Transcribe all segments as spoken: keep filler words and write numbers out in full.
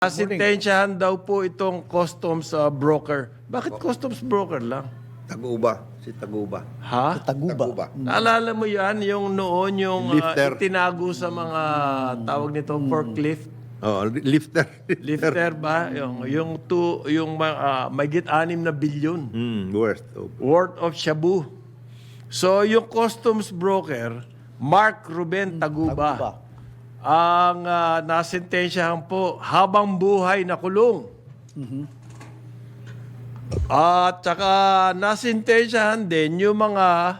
Asintensyahan daw po itong customs uh, broker. Bakit customs broker lang? Taguba. Si Taguba. Ha? Taguba. Taguba. Naalala mo yan, yung noon, yung uh, Lifter. itinago sa mga tawag nito, forklift. Oh, li- lifter. Lifter ba? Yung, yung, two, yung uh, mayigit anim na bilyon Hmm, worst. Oh. worth of shabu. So, yung customs broker, Mark Ruben Taguba, Taguba. ang uh, nasentensyahan po habang buhay na kulong. At saka nasentensyahan din yung mga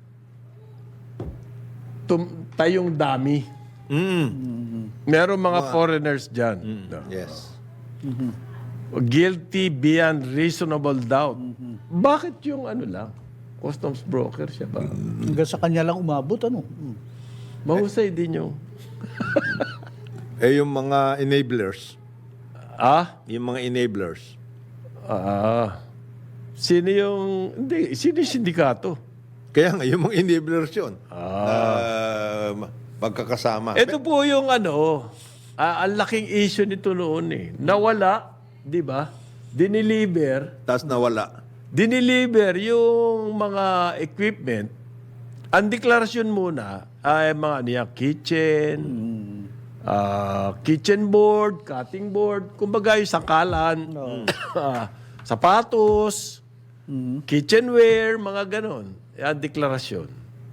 tum- tayong dami. Mm. Meron mga foreigners dyan. Yes. Guilty beyond reasonable doubt. Bakit yung ano lang? Customs broker siya ba? Hanggang sa kanya lang umabot, ano? Mm. Mahusay din yung... Eh, yung mga enablers. Ah? Yung mga enablers. Ah. Sino yung... Hindi, sino yung sindikato? Kaya nga, yung mga enablers yun. Ah. Uh, magkakasama. Ito po yung ano, ah, ang laking issue nito noon eh. Nawala, di ba? Diniliver. Tapos nawala. Diniliver yung mga equipment. Ang deklarasyon muna ay mga niya kitchen, ah, kitchen board, cutting board, kumbaga yung sangkalan, ah, sapatos, kitchenware, mga ganon. Yan, deklarasyon.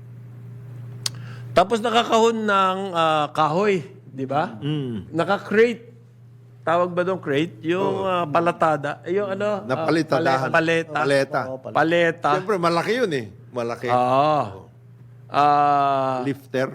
Tapos nakakahon ng ah, kahoy, di ba? Naka-crate. Tawag ba doon crate? Yung ah, palatada. Eh, yung ano? ah, Napalitadahan. pale- paleta. Paleta. Oo, pala. Paleta. Siyempre, malaki yun eh. Malaki. Ah. Ah. Lifter.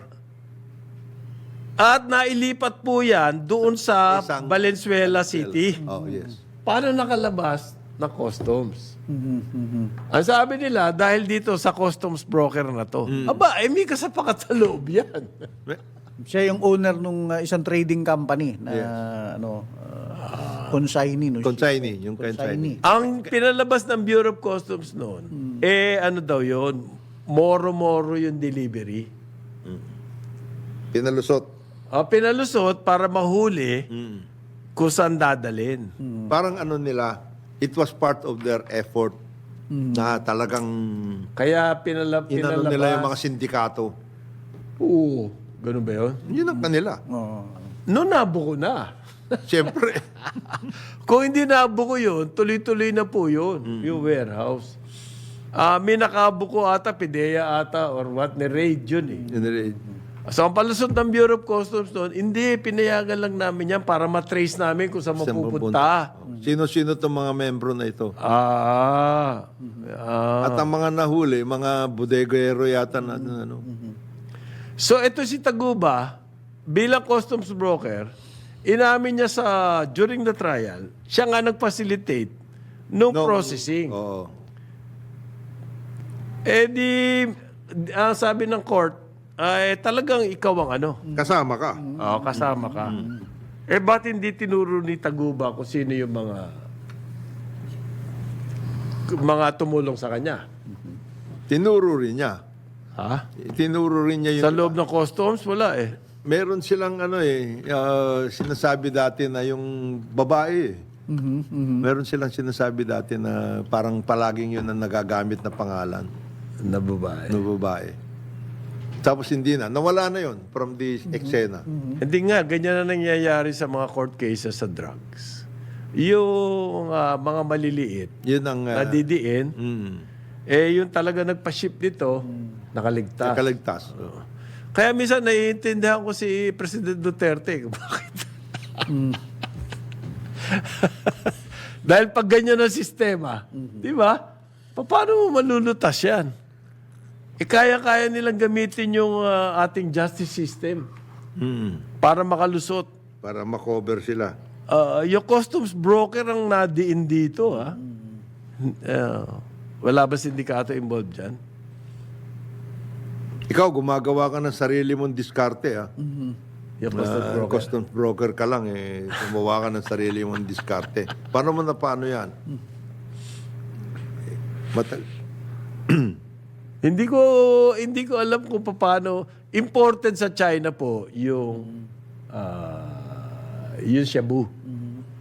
At nailipat po yan doon sa Isang- Valenzuela City. Oh, yes. Paano nakalabas ng customs? Ang sabi nila, dahil dito sa customs broker na to. Aba, eh, may kasapakat sa loob yan. Siya yung owner nung uh, isang trading company na ano uh, consignee no. Consignee. Yung consignee. Ang pinalabas ng Bureau of Customs noon, eh ano daw yon, moro-moro yung delivery. Pinalusot. Ah, pinalusot para mahuli kung saan dadalhin. Parang ano nila, it was part of their effort na talagang Kaya pinala, inano pinalabas. nila yung mga sindikato. Oo, ganun ba yun? Yun ang kanila. Oo. Noon nabuko na. Siyempre. Kung hindi nabuko yun, tuloy-tuloy na po yun, yung warehouse. Ah, may nakabuko ata, Pidea ata, or what, ni raid yun eh. So, ang palusot ng Bureau of Customs noon, hindi, pinayagan lang namin yan para matrace namin kung saan Saan mapupunta. Sino-sino itong mga membro na ito? Ah. ah. At ang mga nahuli, mga bodegero yata na ano. So, ito si Taguba, bilang customs broker, inamin niya sa, during the trial, siya nga nag-facilitate nung No, processing. Oo. Eh di, ang sabi ng court, ay talagang ikaw ang ano. Kasama ka. Oo, kasama ka. Eh, ba't hindi tinuro ni Taguba kung sino yung mga mga tumulong sa kanya? Tinuro rin niya. Ha? Tinuro rin niya yung... Sa loob ng customs, wala eh. Meron silang ano eh, ah, sinasabi dati na yung babae eh. Meron silang sinasabi dati na parang palaging yun ang nagagamit na pangalan Na babae. ng babae. Tapos hindi na. Nawala na yun from the eksena. Hindi nga, ganyan na nangyayari sa mga court cases sa drugs. Yung ah, mga maliliit, Yun ang... ah, nadidiin, mm, eh yung talaga nagpa-ship dito, nakaligtas. nakaligtas. Oo. Kaya minsan naiintindihan ko si President Duterte. Bakit? Dahil pag ganyan ang sistema, di ba? Paano mo malulutas yan? E kaya-kaya nilang gamitin yung ah, ating justice system Mm, para makalusot. para makover sila. Ah, yung customs broker ang nadiin dito, ha? Ah, wala ba sindikato involved dyan? Ikaw, gumagawa ka ng sarili mong diskarte, ah. Yung customs Ah, broker. customs broker ka lang, eh. Gumawa ka ng sarili mong diskarte. Paano mo na paano yan? Matal Hindi ko hindi ko alam kung paano imported sa China po yung ah, yung shabu.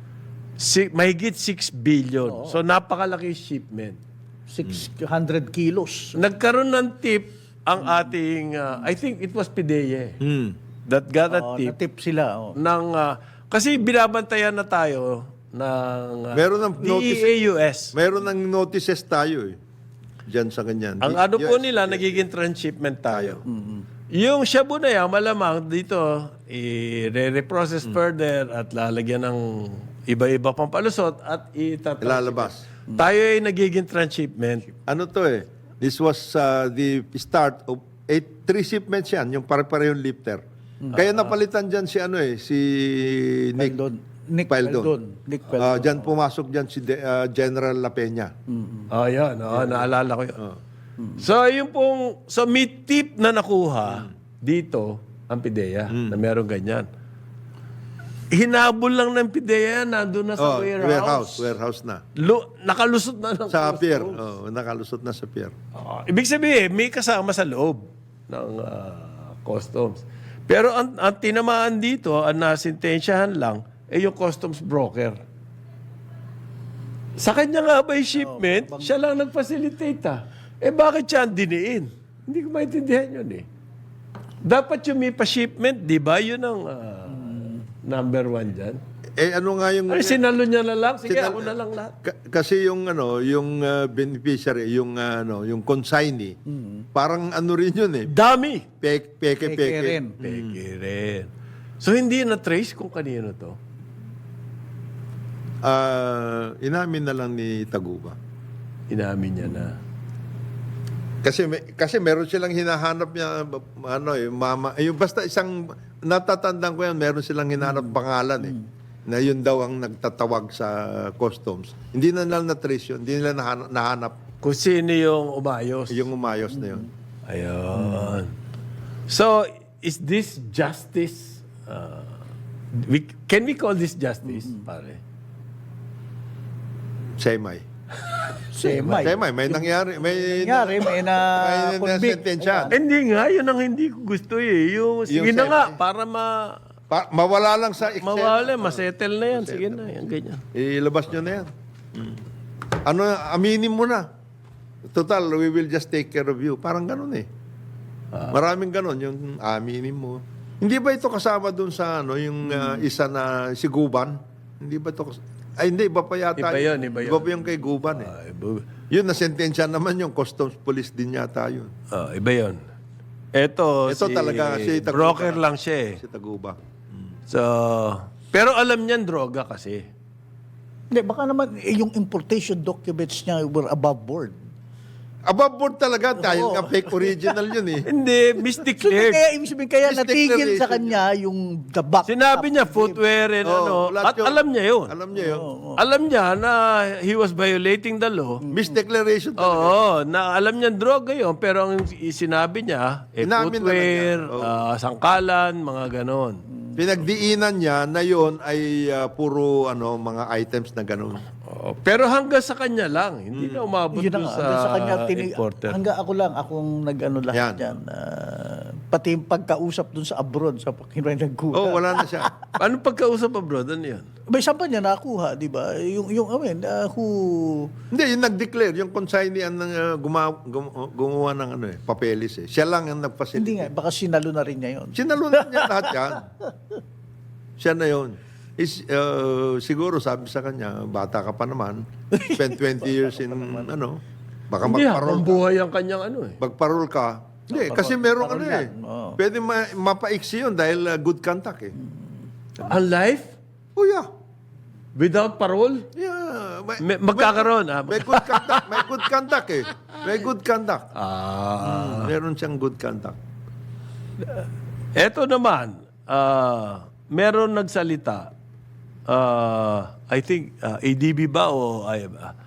Si, mahigit six billion. So, napakalaki shipment. six hundred kilos. Nagkaroon ng tip ang ating, uh, I think it was Pideye, Hmm. that got a Oh, tip natip sila. Oh. ng, uh, kasi binabantayan na tayo ng uh, Meron ng D E A U S. Meron ng notices tayo eh. Diyan sa ganyan. Ang Di- ano po yes. nila, nagiging transshipment tayo. Yung Shabu na yan, malamang dito, i-reprocess further at lalagyan ng iba-iba pang palusot at itatransship. Ilalabas. Tayo ay nagiging transshipment. Ano to eh? This was uh, the start of eight, three shipments yan, yung pare-parehong lifter. Kaya napalitan dyan si ano eh, si Nick Peldon. Nick Peldon. Peldon. Nick Ah, Peldon. dyan pumasok dyan si De- ah, General La Peña. Oh, yan. Oh, naalala ko yun. So, yung pong, so may tip na nakuha dito, ang PIDEA, na meron ganyan. Hinabol lang ng PIDEA, nandun na sa Oh, warehouse. warehouse. Warehouse na. Lu- nakalusot na ng Sa pier. customs. Oh, nakalusot na sa pier. Ah, ibig sabihin, may kasama sa loob ng ah, customs. Pero ang, ang tinamaan dito, ang nasintensyahan lang, eh yung customs broker. Sa kanya nga ba yung shipment, siya lang nag-facilitate ah. Eh bakit siya ang diniin? Hindi ko maintindihan yun eh. Dapat yung may pa-shipment, di ba? Yun ang ah, number one dyan. Eh ano nga yung... Ay, sinalo niya na lang. Sige, Sinal- ako na lang lahat. Ka- kasi yung ano, yung uh, beneficiary, yung uh, ano, yung consignee, parang ano rin yun eh. Dami. Peke, peke, Peke peke. rin. Peke rin. So, hindi na-trace kung kanino to. Ah, inamin na lang ni Taguba. Inamin niya na. Kasi may, kasi meron silang hinahanap niya ano eh mama eh, yung basta isang natatandaan ko yan meron silang hinahanap pangalan eh na yun daw ang nagtatawag sa customs. Hindi na nila na-trace yun. Hindi nila nahanap, nahanap Kung sino yung umayos. yung umayos na yun. Ayun. So, is this justice? Uh, we, can we call this justice, pare? Semi. Semay. Semi. May nangyari. May, Nangyari, may na may convict. nasentensya. Hindi nga, yun ang hindi ko gusto eh. Yung, sige Yung na semi. nga, para ma, Pa- mawala lang sa eksena. mawala, masettle na yan. Sige na, yan, ganyan. Ilabas nyo na yan. Ano, aminin mo na. Total, we will just take care of you. Parang ganun eh. Maraming ganun, yung aminin mo. Hindi ba ito kasama dun sa ano, yung uh, isa na si Guban? Hindi ba ito kas- Ay, hindi, iba pa yata. Iba yun, iba yun. Iba pa yung kay Guban eh. Ah, iba, Yun, nasentensya naman yung customs police din yata yun. ah, iba yun. Ito, Ito si, talaga, si Taguba. broker lang siya eh. Si Taguba. So, pero alam niyan droga kasi. Hindi, baka naman eh, yung importation documents niya were above board. Above board talaga, dahil nga fake original yun eh. Hindi, So, misdeclared. kaya, ibig sabihin, kaya This natigil sa declaration kanya yung the back. Sinabi niya footwear and Oo, ano, lahat at yun. alam niya yun. Alam niya yun. Alam niya na he was violating the law. Misdeclaration talaga. Oo, na alam niya droga yun, pero ang sinabi niya, eh, Inamin na lang footwear, niya. Oo. ah, sangkalan, mga ganon. Pinagdiinan niya na yon ay uh, puro ano mga items na ganun. Oo, pero hanggang sa kanya lang, hindi na umabot Yun na dun nga, sa, hanggang sa kanya, tini- importer. hanggang ako lang, akong nag-ano Yan. lahat yan. Ah, pati yung pagkausap dun sa abroad, sa pakiray nagkuha. Oh, wala na siya. Paano pagkausap abroad? Ano yun? May saan pa niya nakuha, di ba? Yung, yung, I mean, uh, who... Hindi, yung nag-declare, yung consignee ang uh, gumawa, gum- gumawa ng ano eh, papeles eh. Siya lang ang Hindi nag-facilitate. nga, baka sinalo na rin niya yun. Sinalunan niya lahat yan. Siya na yun. Is, uh, siguro sabi sa kanya, bata ka pa naman, spend twenty years in ano, baka Hindi, magparol habang ka. buhay ang kanyang ano eh. Magparol ka. Hindi, kasi merong ano eh. Oo. Pwede ma- mapaiksi yun dahil uh, good contact eh. Ang life? Oh yeah. Without parole? Yeah. May, May- magkakaroon, ah. may good conduct. May good conduct eh. May good conduct. Ah. Meron siyang good conduct. Eto naman, ah, meron nagsalita, ah, I think, ah, A D B ba o ay, ah,